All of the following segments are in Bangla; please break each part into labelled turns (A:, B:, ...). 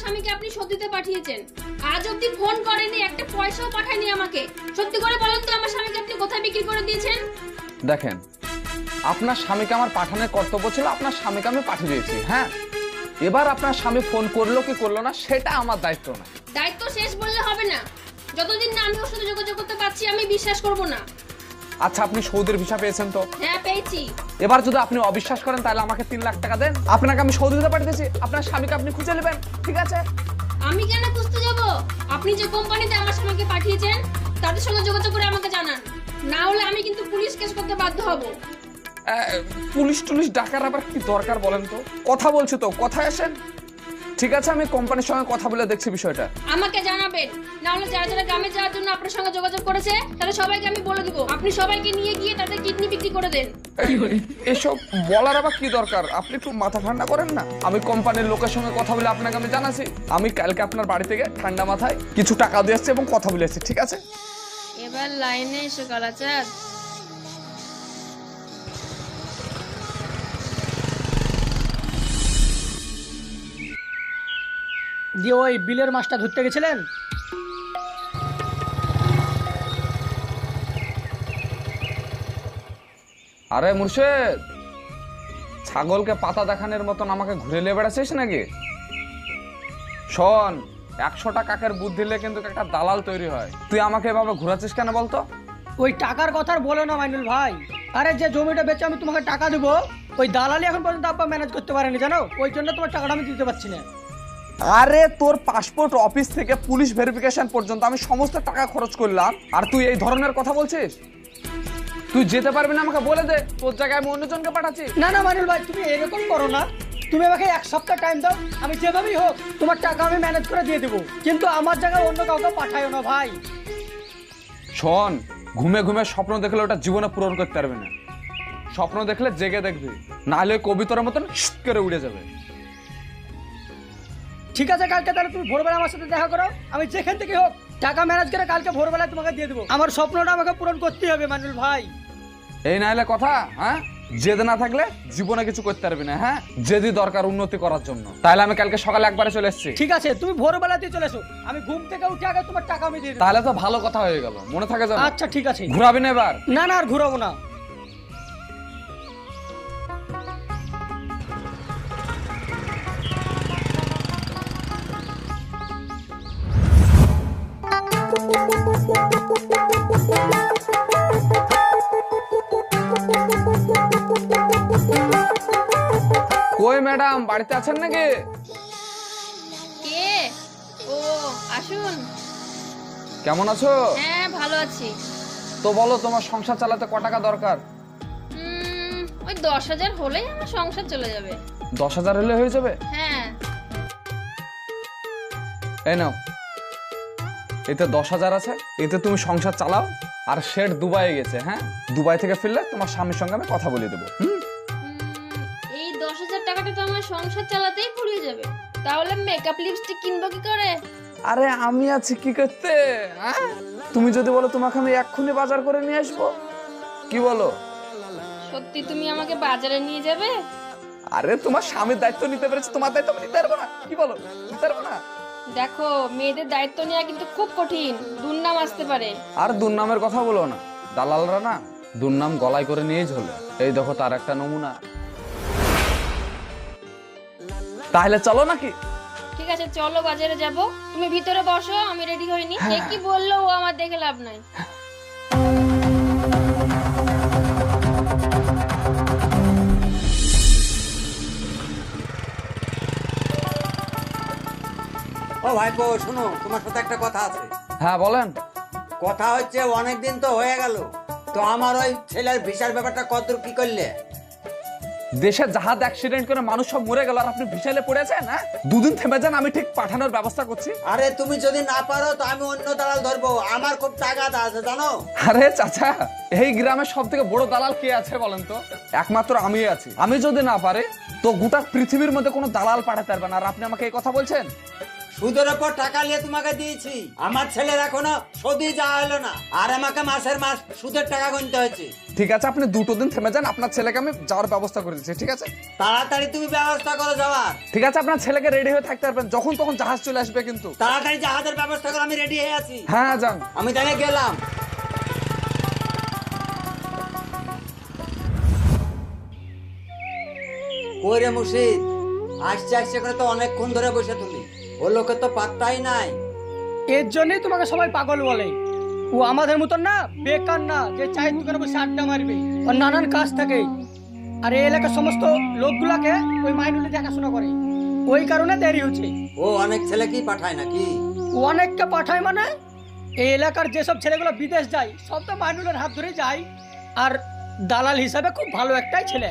A: স্বামীকে আপনি সত্যিতে পাঠিয়েছেন, আজ অব্দি ফোন করেনি, একটা পয়সাও পাঠায়নি আমাকে। সত্যি করে বলেন তো আমার স্বামীকে আপনি কোথায় বিক্রি করে দিয়েছেন?
B: দেখেন, আপনার স্বামীকে আমার পাঠানোর কর্তব্য ছিল, আপনার স্বামীকে আমি পাঠিয়ে দিয়েছি। হ্যাঁ, এবার আপনার স্বামী ফোন করলো কি করলো না সেটা আমার দায়িত্ব না।
A: দায়িত্ব শেষ বললে হবে না। যতদিন না আমি ওর সাথে যোগাযোগ করতে পারছি আমি বিশ্বাস করব না।
B: আচ্ছা, আপনি সৌদির ভিসা পেয়েছেন তো?
A: হ্যাঁ পেয়েছি।
B: এবার যদি আপনি অবিশ্বাস করেন তাহলে আমাকে 3 লাখ টাকা দেন, আপনাকে আমি সৌদিতে পাঠিয়ে দিয়েছি, আপনার স্বামীকে আপনি খুঁজে নেবেন, ঠিক আছে?
A: আমি কেন খুঁজতে যাব? আপনি যে কোম্পানিতে আমার স্বামীকে পাঠিয়েছেন তাদের সঙ্গে যোগাযোগ করে আমাকে জানান, না হলে আমি কিন্তু পুলিশ কেস করতে বাধ্য হব।
B: পুলিশ টুলিশ ডাকার আবার কি দরকার বলেন তো? কথা বলছি তো, কথায় আসেন। ঠিক আছে, আমি কোম্পানির সঙ্গে কথা বলে দেখছি বিষয়টা।
A: আমাকে জানাবেন, না হলে যারা যারা গ্রামে যাওয়ার জন্য আপনার সঙ্গে যোগাযোগ করেছে তাহলে সবাইকে আমি বলে দিব, আপনি সবাইকে নিয়ে গিয়ে তাদের কিডনি বিক্রি করে দেন।
B: এসব বলার আবার কি দরকার? আপনি একটু মাথা ঠান্ডা করেন না। আমি কোম্পানির লোকের সঙ্গে কথা বলে আপনাকে আমি জানাচ্ছি। আমি কালকে আপনার বাড়ি থেকে ঠান্ডা মাথায় কিছু টাকা দিয়ে আসছি এবং কথা বলে আসছি, ঠিক আছে?
A: এবার লাইনে এসে কালাচাঁদ।
C: দিয়ে ওই বিলের মাছটা ধরতে গেছিলেন?
B: আরে মুর্শেদ, ছাগলকে পাতা দেখানোর মতন আমাকে ঘুরে নিয়ে বেড়াচ্ছিস নাকি? শোন, 100টা কাকের বুদ্ধি দিলে কিন্তু একটা দালাল তৈরি হয়। তুই আমাকে এভাবে ঘোরাচ্ছিস কেন বলতো?
C: ওই টাকার কথা আর বলো না মাইনুল ভাই। আরে যে জমিটা বেচে আমি তোমাকে টাকা দেবো, ওই দালালি এখন পর্যন্ত আব্বা ম্যানেজ করতে পারেনি, জানো? ওই জন্য তোমার টাকাটা আমি দিতে পারছি না।
B: আরে তোর পাসপোর্ট অফিস থেকে পুলিশ ভেরিফিকেশন পর্যন্ত আমি সমস্ত টাকা খরচ করলাম, আর তুই এই ধরনের কথা বলছিস? তুই যেতে পারবি না আমাকে বলে দে, তোর জায়গায় আমি অন্যজনকে পাঠাচ্ছি।
C: না না মাইনুল ভাই, তুমি এরকম করো না। তুমি আমাকে 1 সপ্তাহ টাইম দাও, আমি যেভাবেই হোক তোমার টাকা আমি ম্যানেজ করে দিয়ে দেবো, কিন্তু আমার জায়গায় অন্য কাউকে পাঠাইও না ভাই।
B: শোন, ঘুমে ঘুমে স্বপ্ন দেখলে ওটা জীবনে পূরণ করতে পারবি না। স্বপ্ন দেখলে জেগে দেখবি, নাহলে কবিতার মতন শিট করে উড়ে যাবে।
C: ঠিক আছে, কালকে তাহলে তুমি ভোরবেলা আমার সাথে দেখা করো, আমি যেখান থেকে হোক টাকা ম্যানেজ করে কালকে ভোরবেলায় তোমাকে দিয়ে দেবো। আমার স্বপ্নটা আমাকে পূরণ করতেই হবে মাইনুল ভাই।
B: এই নাহলে কথা, হ্যাঁ? জেদ না থাকলে জীবনে কিছু করতে পারবি না। হ্যাঁ, জেদি দরকার উন্নতি করার জন্য। তাহলে আমি কালকে সকালে একবারে চলে এসেছি।
C: ঠিক আছে, তুমি ভোরবেলাতেই চলে এসো, আমি ঘুম থেকে উঠে আগে তোমার টাকা আমি দিয়ে দেবো।
B: তাহলে তো ভালো কথা হয়ে গেল, মনে থাকে যাবে।
C: আচ্ছা ঠিক আছে।
B: ঘুরাবি না এবার?
C: না না, আর ঘুরাবো না।
B: কই ম্যাডাম, বাড়িতে আছেন নাকি?
A: কে? ও আসুন।
B: কেমন আছো?
A: হ্যাঁ ভালো আছি।
B: তো বলো, তোমার সংসার চালাতে ক টাকা দরকার?
A: ওই 10,000 হলেই আমার সংসার চলে যাবে।
B: 10,000 হলে হয়ে যাবে?
A: হ্যাঁ।
B: এই নাও, এতে 10,000 আছে, এতে তুমি সংসার চালাও। আর শেঠ দুবাই গেছে, হ্যাঁ, দুবাই থেকে ফিরলে তোমার স্বামীর সঙ্গে আমি কথা বলে দেবো।
A: এই 10,000 টাকাটা তো আমার সংসার চালাতেই পুড়িয়ে যাবে, তাহলে মেকআপ লিপস্টিক কিনবো কি করে?
B: আরে আমি আছি কি করতে, হ্যাঁ? তুমি যদি বলো তোমাকে আমি এক্ষুনি বাজার করে নিয়ে আসবো, কি বলো?
A: সত্যি তুমি আমাকে বাজারে নিয়ে যাবে?
B: আরে তোমার স্বামীর দায়িত্ব নিতে পেরেছে, তোমার দায়িত্ব আমি নিতে পারবো না? কি বলো, নিতে পারবো না?
A: দেখো, মেয়েদের দায়িত্ব নেওয়া কিন্তু খুব কঠিন, দুর্নাম আসতে পারে।
B: আর দুর্নামের কথা বলো না, দালালরা না দুর্নাম গলায় করে নিয়েই ঝোলে। এই দেখো তার একটা নমুনা। তাহলে চলো নাকি?
A: ঠিক আছে চলো বাজারে যাব, তুমি ভিতরে বসো, আমি রেডি হইনি। এ কি বললো, ও আমার দেখে লাভ নাই।
D: ও ভাইপো, শোনো, তোমার সাথে একটা কথা আছে।
B: হ্যাঁ বলেন।
D: কথা হচ্ছে, অনেকদিন তো হয়ে গেল, তো আমার ওই ছেলের ভিসার ব্যাপারটা কতদূর কি করলে?
B: দেশে জাহাজ অ্যাক্সিডেন্ট করে মানুষ সব মরে গেল আর আপনি ভিসাইলে পড়েছেন? হ্যাঁ, 2 দিন থেমে যান, আমি ঠিক পাঠানোর ব্যবস্থা করছি।
D: আরে তুমি যদি না পারো তো আমি অন্য দালাল ধরবো, আমার খুব টাকা আছে জানো।
B: আরে চাচা, এই গ্রামের সব থেকে বড় দালাল কে আছে বলেন তো? একমাত্র আমি আছি। আমি যদি না পারে তো গোটা পৃথিবীর মধ্যে কোনো দালাল পাঠাতে পারবে না। আর আপনি আমাকে এই কথা বলছেন?
D: সুদের ওপর টাকা নিয়ে তোমাকে দিয়েছি, আমার ছেলের এখনো শোধই যাওয়া হলো না, আর আমাকে মাসের মাস সুদের টাকা গুনতে হয়েছে।
B: ঠিক আছে, আপনি 2 দিন থেমে যান, আপনার ছেলেকে আমি যাওয়ার ব্যবস্থা করে দিচ্ছি, ঠিক আছে?
D: তাড়াতাড়ি তুমি ব্যবস্থা করো যাওয়ার।
B: ঠিক আছে, আপনার ছেলেকে রেডি হয়ে থাকতে পারবেন, যখন তখন জাহাজ চলে আসবে কিন্তু।
D: তাড়াতাড়ি জাহাজের ব্যবস্থা করো, আমি রেডি হয়ে আছি।
B: হ্যাঁ যান।
D: আমি তাহলে গেলাম। ওই রে মুর্শিদ, আসছে আসছে করে তো অনেকক্ষণ ধরে বসে তুমি, ও লোকের তো পাত্তাই নাই।
C: এর জন্যই তোমাকে সবাই পাগল বলে। ও আমাদের মতন না, বেকার না যে চায়ের দোকানে বসে আড্ডা মারবে, ওর নানান কাজ থাকে। আর এই এলাকার সমস্ত লোকগুলাকে ওই মাইনুলি দেখাশোনা করে, ওই কারণে দেরি হচ্ছে।
D: ও অনেক ছেলে কি পাঠায় নাকি?
C: ও অনেককে পাঠায় মানে, এই এলাকার যেসব ছেলেগুলো বিদেশ যায় সব তো মাইনুলের হাত ধরে যায়। আর দালাল হিসাবে খুব ভালো একটাই ছেলে।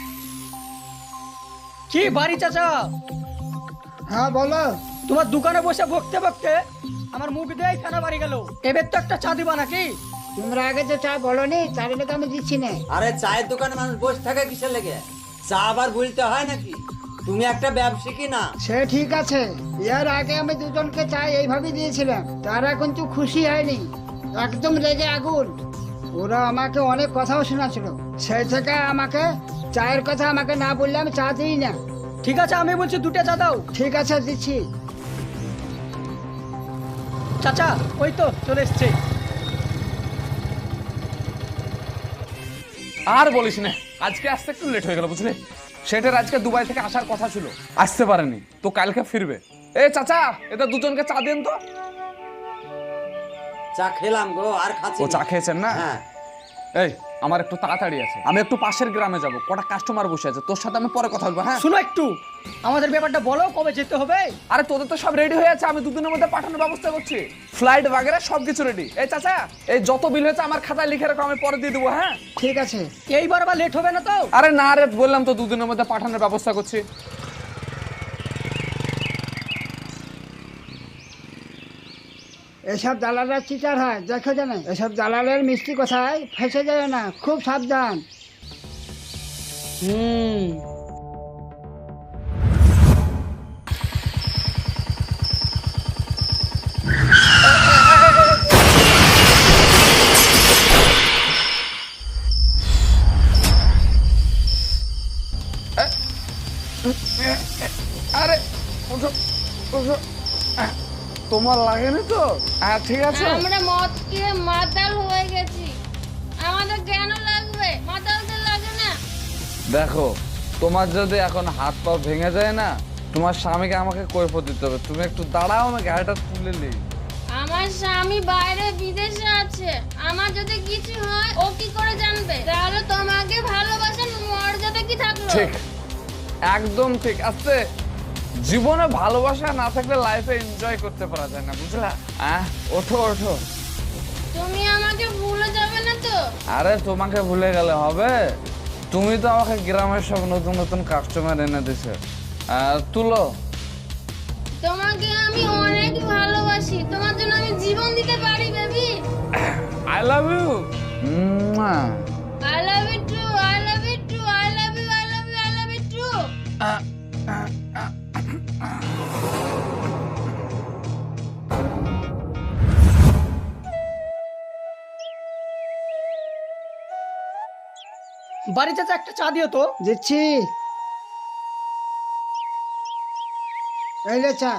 C: কি বাড়ি চাচা?
E: হ্যাঁ বলো।
C: তোমার দোকানে বসে বকতে বকতে আমার মুখ দিয়ে ফেনা বাড়ি গেল। এবার তো একটা চা দিবা নাকি?
E: তোমরা আগে তো চা বলোনি, তার লেগে আমি দিচ্ছি না।
D: আরে চায়ের দোকানে মানুষ বসে থাকে কিসের লেগে? চা আবার ভুলতে হয় নাকি? তুমি একটা ব্যবসায়ী না?
E: সে ঠিক আছে, এর আগে আমি দুজনকে চা এইভাবেই দিয়েছিলাম, তারা কিন্তু খুশি হয়নি, একদম রেগে আগুন। ওরা আমাকে অনেক কথাও শোনাছিল, সেই থেকে আমাকে চায়ের কথা আমাকে না বললে আমি চা দিই না।
C: ঠিক আছে, আমি বলছি 2টা চা দাও।
E: ঠিক আছে দিচ্ছি।
C: চাচা ওই তো চলে এসছে।
B: আর বলিস না, আজকে আসতে একটু লেট হয়ে গেল বুঝলে। সেটার আজকে দুবাই থেকে আসার কথা ছিল, আসতে পারেনি, তো কালকে ফিরবে। এ চাচা, এটা দুজনকে চা দেন তো।
D: চা খেলাম গো, আর খাচ্ছি
B: ও
D: না।
B: চা খেয়েছেন না?
D: হ্যাঁ।
B: এই আমার একটু তাড়াতাড়ি আছে, আমি একটু পাশের গ্রামে যাব, কটা কাস্টমার বসে আছে, তোর সাথে আমি পরে কথা বলবো। হ্যাঁ
C: শুনো একটু, আমাদের ব্যাপারটা বলো, কবে যেতে হবে?
B: আরে তোদের তো সব রেডি হয়ে আছে, আমি 2 দিনের মধ্যে পাঠানোর ব্যবস্থা করছি, ফ্লাইট বাগেরা সবকিছু রেডি। এই চাচা, এই যত বিল হয়েছে আমার খাতায় লিখে রাখো, আমি পরে দিয়ে দেবো। হ্যাঁ
E: ঠিক আছে।
C: এইবার আবার লেট হবে না তো?
B: আরে না রে, বললাম তো 2 দিনের মধ্যে পাঠানোর ব্যবস্থা করছি।
E: এসব দালালরা চিটার হয়, দেখো জানে, এসব দালালের মিষ্টি কথায় ফেসে যায় না, খুব সাবধান।
B: আরে ওঠো ওঠো, তোমার লাগেনি তো? হ্যাঁ ঠিক আছে।
A: আমরা মদ খেয়ে মাতাল হয়ে গেছি, আমাদের কেন লাগবে? মাতালদের লাগে না?
B: দেখো, তোমার যদি এখন হাত পা ভেঙে যায় না, তোমার স্বামীকে আমাকে কৈফিয়ত দিতে হবে। তুমি একটু দাঁড়াও, আমি গাড়িটা তুলে নিই।
A: আমার স্বামী বাইরে বিদেশে আছে, আমার যদি কিছু হয় ও কি করে জানবে? তাহলে তোমাকে ভালোবাসার মর্যাদা কি থাকলো?
B: ঠিক, একদম ঠিক আছে। জীবনে ভালোবাসা না থাকলে লাইফে এনজয় করতে পারা যায় না, বুঝলা? ওঠো ওঠো।
A: তুমি আমাকে ভুলে যাবে না তো?
B: আরে তোমাকে ভুলে গেলে হবে? তুমি তো আমাকে গ্রামের সব নতুন নতুন কাস্টমার এনে দিছো। তুলো।
A: তোমাকে আমি অনেক ভালোবাসি, তোমার জন্য আমি জীবন দিতে পারি baby.
B: I love you.
A: I love you too, I love you too, I love you, I love you, I love you too.
C: বাড়ি চাচা একটা চা দিও তো।
E: দিচ্ছি, এই লে চা।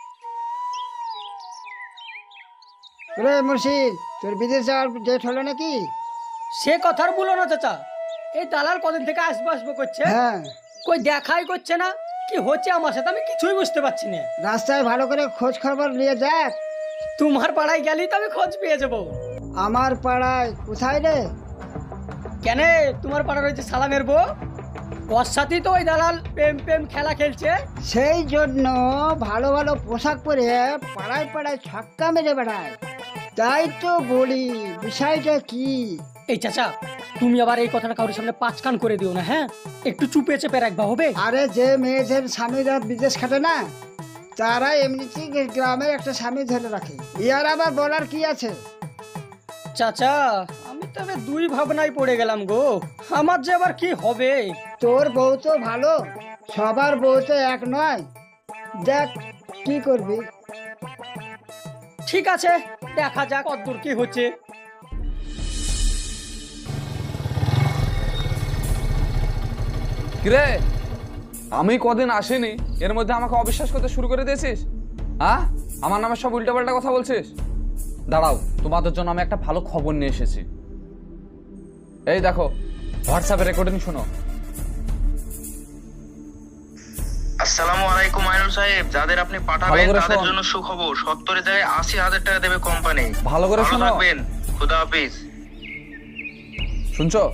E: রে মুর্শিদ, তোর বিদেশ যাওয়ার ডেট হলো নাকি?
C: সে কথা আর বলো না চাচা, এই দালাল কদিন থেকে আসবো আসবো করছে,
E: হ্যাঁ,
C: কই দেখাই করছে না। কি হচ্ছে আমার সাথে আমি কিছুই বুঝতে পারছি না।
E: রাস্তায় ভালো করে খোঁজ খবর নিয়ে দেখ।
C: তোমার পাড়ায় গেলেই তো আমি খোঁজ পেয়ে যাবো।
E: আমার পাড়ায় কোথায় রে?
C: কেন, তোমার পাড়ার রয়েছে সালামের বউ, ওর সাথেই তো ওই দালাল প্রেম প্রেম খেলা খেলছে।
E: সেই জন্য ভালো ভালো পোশাক পরে পাড়ায় পাড়ায় ছক্কা মেরে বেড়ায়। তাই তো বলি, বিষয়টা কি?
C: এই চাচা, তুমি আবার এই কথাটা কারোর সামনে 5 কান করে দিও না, হ্যাঁ? একটু চুপে চেপে রাখবা, হবে?
E: আরে যে মেয়েদের স্বামীরা বিদেশ খাটে না, তারা এমনিতেই গ্রামের একটা স্বামী ধরে রাখে, ইয়ার আবার বলার কি আছে?
C: চাচা, আমি তবে 2 ভাবনায় পড়ে গেলাম গো, আমার যে আবার কি হবে।
E: তোর বউ তো ভালো, সবার বউ তো এক নয়, দেখ কি করবি।
C: ঠিক আছে, দেখা যাক কতদূর কি হচ্ছে।
B: কিরে, আমি কদিন আসিনি, এর মধ্যে আমাকে অবিশ্বাস করতে শুরু করে দিয়েছিস? হ্যাঁ, আমার নামে সব উল্টাপাল্টা কথা বলছিস। দাঁড়াও, তোমাদের জন্য আমি একটা ভালো খবর নিয়ে এসেছি। এই দেখো, হোয়াটসঅ্যাপে রেকর্ডিং শোনো।
F: আসসালামু আলাইকুম আইনুল সাহেব, যাদের আপনি পাঠাবেন
B: ভালো করে
F: তাদের
B: শোন।
F: জন্য সুখবর। 70 জায়গায় 80,000 টাকা দেবে কোম্পানি।
B: ভালো করে শোনো।
F: থাকবেন, খুদা হাফেজ।
B: শুনছো?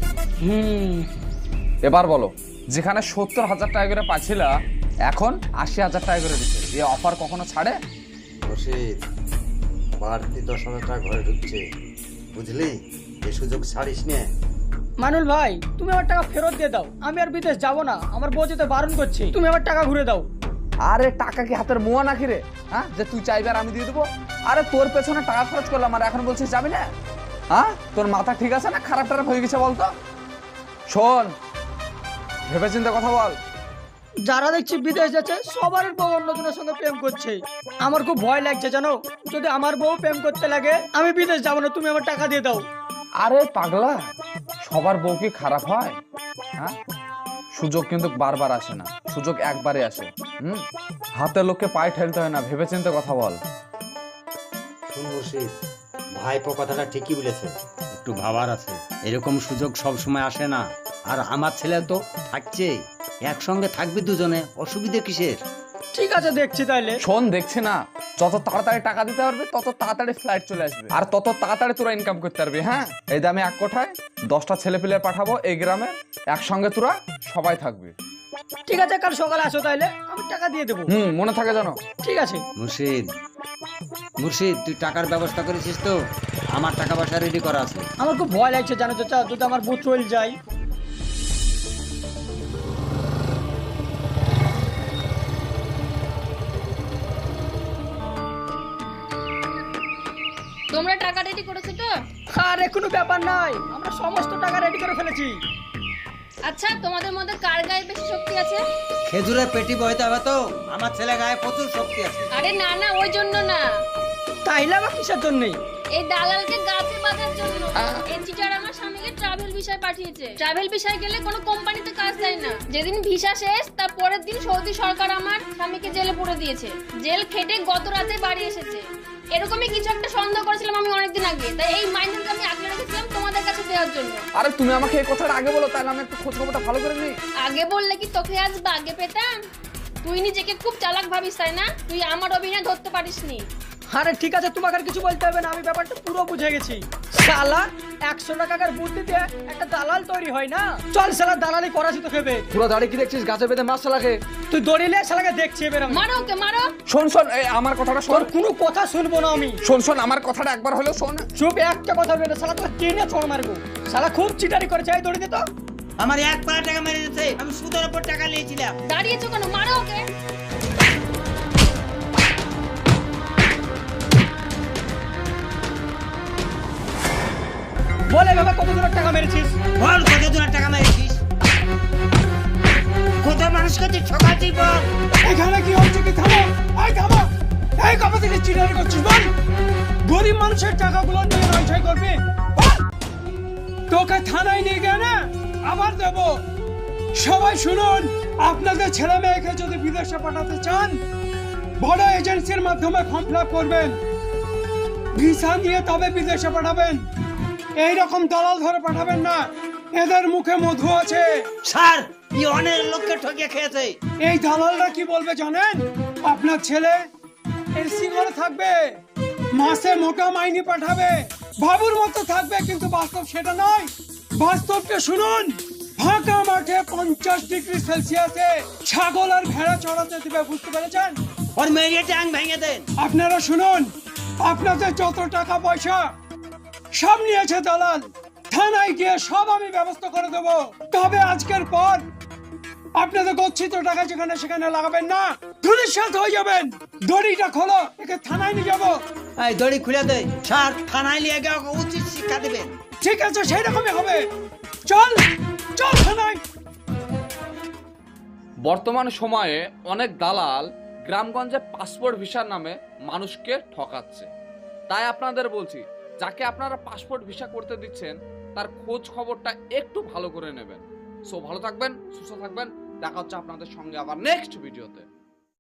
B: এবার বলো, যেখানে 70,000 টাকা করে পাচ্ছিলা, এখন 80,000 টাকা করে দিচ্ছে। এই অফার কখনো ছাড়ে?
D: রশিদ, বাড়তি 10,000 টাকা ঘরে ঢুকছে, বুঝলি? এই সুযোগ ছাড়িস নে।
C: মানুল ভাই, তুমি আমার টাকা ফেরত দিয়ে দাও। আমি আর বিদেশ যাব না, আমার বউ যেতে বারণ করছে। তুমি আমার টাকা ঘুরে দাও।
B: আরে টাকা কি হাতের মোয়া নাকি রে? হ্যাঁ, যে তুই চাইবে আর আমি দিয়ে দেবো? আরে তোর পেছনে টাকা খরচ করলাম আর এখন বলছিস যাবি না? হ্যাঁ, তোর মাথা ঠিক আছে না খারাপ টারাপ হয়ে গেছে বলতো? শোন, ভেবে চিন্তে কথা বল।
C: যারা দেখছি বিদেশ যাচ্ছে সবার বউ অন্যজনের সঙ্গে প্রেম করছে। আমার খুব ভয় লাগছে জানো, যদি আমার বউ প্রেম করতে লাগে আমি বিদেশ যাবো না, তুমি আমার টাকা দিয়ে দাও।
B: আরে পাগলা, সবার বউ কি খারাপ হয়? হ্যাঁ, সুযোগ কিন্তু বারবার আসে না, সুযোগ একবারে আসে। হাতের লোককে পায়ে ঠেলতে হয় না, ভেবে চিন্তে কথা বল।
D: শুন রশিদ, ভাইপো কথাটা ঠিকই বলেছে, একটু ভাবার আছে। এরকম সুযোগ সব সময় আসে না। আর আমার ছেলে তো থাকছে, একসঙ্গে থাকবি দুজনে, অসুবিধা কিসের?
C: ঠিক আছে, দেখছি তাইলে।
B: শোন, দেখছি না, যত তাড়াতাড়ি টাকা দিতে পারবে তত তাড়াতাড়ি ফ্লাইট চলে আসবে আর তত তাড়াতাড়ি তোরা ইনকাম করতে পারবি। হ্যাঁ, এই দামে এক কোঠায় 10টা ছেলে পেলে পাঠাবো এই গ্রামে, একসঙ্গে তোরা সবাই থাকবে।
C: ঠিক আছে, কাল সকালে আসো তাইলে, আমি টাকা দিয়ে দেবো।
B: মনে থাকে জানো।
C: ঠিক আছে।
D: মুর্শিদ, তুই টাকার ব্যবস্থা করেছিস তো? আমার টাকা পয়সা রেডি করা আছে।
C: আমার খুব ভয় লাগছে জানো চাচা, যদি আমার বউ চলে যায়।
A: তোমরা টাকা রেডি করেছো তো?
C: আরে কোনো ব্যাপার নাই, আমরা সমস্ত টাকা রেডি করে ফেলেছি।
A: আচ্ছা, তোমাদের মধ্যে কার গায়ে বেশি শক্তি আছে?
D: খেজুরের পেটি বইতে হবে তো, আমার ছেলে গায়ে প্রচুর শক্তি আছে।
A: আরে না না, ওই জন্য না,
C: তাইলে আবার কিসের জন্য?
A: এই দালালকে গাছে বাঁধার জন্য। এই চিটার আমার স্বামীকে ট্রাভেল ভিসায় পাঠিয়েছে। ট্রাভেল ভিসায় গেলে কোনো কোম্পানিতে কাজ দেয় না। যেদিন ভিসা শেষ তার পরের দিন সৌদি সরকার আমার স্বামীকে জেলে পুরে দিয়েছে। জেল খেটে গত রাতে বাড়ি এসেছে। এরকমই কিছু একটা সন্দেহ করেছিলাম আমি অনেকদিন আগে, তাই এই মাইনেরকে আমি আগলে রেখেছিলাম তোমাদের কাছে দেওয়ার জন্য।
B: আরে তুমি আমাকে এই কথাটা আগে বলো, তাহলে আমি একটু খোঁজ খবরটা ভালো করে নিই।
A: আগে বললে কি তোকে আজ বাগে পেতাম? তুই নিজেকে খুব চালাক ভাবিস তাই না? তুই আমার অভিনয় ধরতে পারিসনি।
C: আরে ঠিক আছে, তোমাকে আর কিছু বলতে হবে না, আমি ব্যাপারটা পুরো বুঝে গেছি। শালা 100 টাকার বুদ্ধিতে একটা দালাল তৈরি হয় না। চল শালা, দালালি করাছি তো খেবে।
B: পুরো দাড়ি কি দেখছিস? গাছে বেঁধে মাছ শালাকে।
C: তুই দড়িলে শালাকে দেখছি এবার আমি।
A: মারো ওকে, মারো।
B: শোন শোন, এই আমার কথাটা শোন।
C: তোর কোনো কথা শুনবো না আমি।
B: শোন শোন, আমার কথাটা একবার হলেও শোন।
C: চুপ, একটা কথা বলবে না, শালা তোকে টেনে ছোঁড় মারবো। শালা খুব চিটারি করেছে, এই দড়ি দে তো।
D: আমার 1 পাড়া টাকা মেরে দিয়েছে, আমি সুদের উপর টাকা নিয়েছিলাম।
A: দাঁড়িয়েছো কেন? মারো ওকে।
C: বলে বাবা, কত দূরের টাকা মেরেছিস?
D: বল, কত দূরের টাকা মেরেছিস? কত মানুষকে তুই ঠকাচ্ছিস বল?
G: এখানে কি হচ্ছে? কি থামো, এই থামো, এই কবে থেকে চিটারি করছিস বল? গরিব মানুষের টাকাগুলো নিয়ে নয়ছয় করবি বল? তোকে থানায় নিয়ে গেলে আবার দেব। সবাই শুনুন, আপনাদের ছেলে মেয়েকে যদি বিদেশে পাঠাতে চান, বড় এজেন্সির মাধ্যমে ফর্ম ফিল আপ করবেন, ভিসা নিয়ে তবে বিদেশে পাঠাবেন। এইরকম দালাল ধরে পাঠাবেন না, এদের মুখে মধু আছে।
D: স্যার, এই অনেক লোককে ঠকিয়ে খেয়েছে।
G: এই দালালরা কি বলবে জানেন? আপনার ছেলে এসি ঘরে থাকবে, মাসে মোটা মাইনে পাঠাবে, বাবুর মতো থাকবে, কিন্তু বাস্তব সেটা নয়। বাস্তবকে শুনুন, ফাঁকা মাঠে 50 ডিগ্রি সেলসিয়াসে ছাগল আর ভেড়া চড়াতে দিবে, বুঝতে পেরেছেন?
D: ওর মেয়ে ট্যাং ভেঙে দেন।
G: আপনারা শুনুন, আপনাদের যত টাকা পয়সা সব নিয়েছে দালাল, থানায় গিয়ে সব আমি ব্যবস্থা করে দেবো। তবে আজকের পর আপনাদের গচ্ছিত টাকা যেখানে সেখানে লাগাবেন না, ধুলিস্যাৎ হয়ে যাবেন। দড়িটা খোলো, একে থানায় নিয়ে যাবো।
D: এই দড়ি খুলে দে স্যার, থানায় নিয়ে গিয়ে ওকে উচিত শিক্ষা দেবেন।
G: ঠিক আছে, সেই রকমই হবে। চল চল থানায়।
B: বর্তমান সময়ে অনেক দালাল গ্রামগঞ্জে পাসপোর্ট ভিসার নামে মানুষকে ঠকাচ্ছে। তাই আপনাদের বলছি, যাকে আপনারা পাসপোর্ট ভিসা করতে দিচ্ছেন তার খোঁজ খবরটা একটু ভালো করে নেবেন। সো ভালো থাকবেন, সুস্থ থাকবেন, দেখা হচ্ছে আপনাদের সঙ্গে আবার নেক্সট ভিডিওতে।